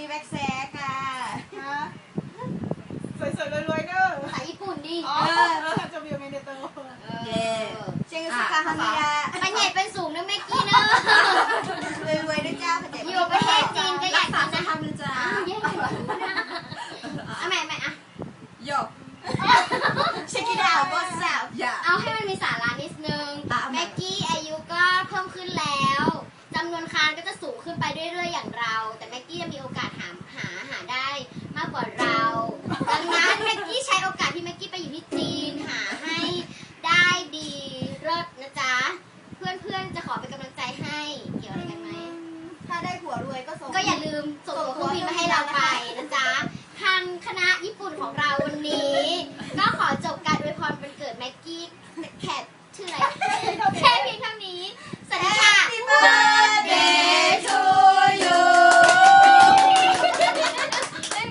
แบ็กแซกค่ะสวยๆรวยๆเด้อภาษาญี่ปุ่นดิจะมีอะไรในตัวเย่เชียงสุขาฮามิยะไปใหญ่เป็นสูงนะแม็กกี้เนอะรวยด้วยเจ้าอยู่ประเทศจีนก็อยากกินนะทำนะจ๊ะแย่เลยเอาแม่อ่ะโยเช็คกี้ดาวบอสสาวเอาให้มันมีสาระนิดนึงแม็กกี้อายุก็เพิ่มขึ้นแล้วจำนวนคานก็จะสูงขึ้นไปเรื่อยๆอย่างเราแต่แม็กกี้จะมีโอกาสหาได้มากกว่าเราดังนั้นแม็กกี้ใช้โอกาสที่แม็กกี้ไปอยู่ที่จีนหาให้ได้ดีเลิศนะจ๊ะเพื่อนๆจะขอเป็นกำลังใจให้เกี่ยวอะไรกันไหมถ้าได้ผัวรวยก็อย่าลืมส่งตัวเครื่องบินมาให้เราไปนะจ๊ะทางคณะญี่ปุ่นของเราวันนี้ก็ขอจบการอวยพรวันเกิดแม็กกี้แข